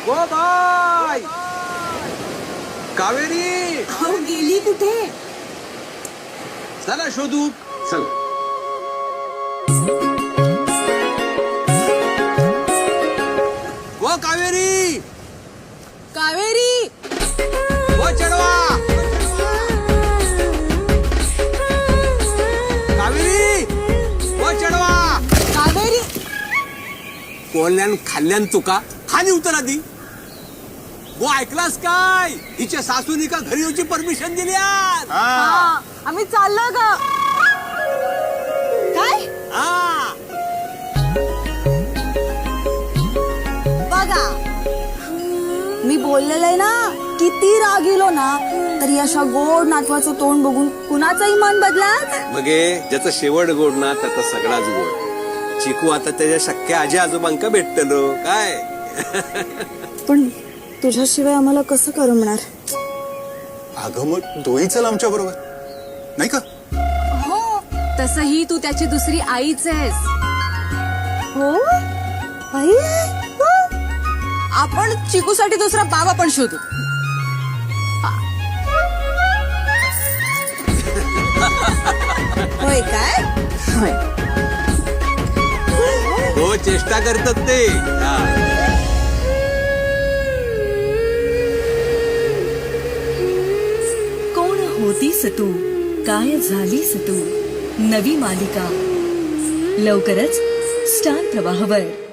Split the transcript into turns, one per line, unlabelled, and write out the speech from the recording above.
ओ bye Kaveri
गेली कुठे?
चला शोधू. चल. ओ कावेरी
कावेरी
ओ चढवा कावेरी ओ चढवा.
कावेरी
कोल्ह्यान खाल्ल्यान तुका खाली उतर आधी. वो ऐकलास काय? हिच्या सासूनी का घरी येऊची परमिशन दिली आज.
हा, आम्ही चाललो ग. काय
हा
बघा, मी बोललेलं आहे ना, किती राग येलो ना तरी अशा गोड नातवाचं तोंड बघून कुणाचंही मन बदलात.
मगे ज्याचा शेवट गोड ना त्याचा सगळाच गोड. चिकू आता त्याच्या शक्य आजी आजोबांका भेटतलो काय.
पण तुझ्याशिवाय आम्हाला कसं करमणार?
अगं मग तोही चल आमच्या बरोबर नाही का?
हो, तसही तू त्याची दुसरी आईच आहेस. हो आई, हो. आपण चिकूसाठी दुसरा बाबा पण शोधू. होय काय? होय.
हो चेष्टा करतात ते. हा.
कोण होतीस तू, काय झालीस तू, नवी मालिका लवकरच स्टार प्रवाहवर.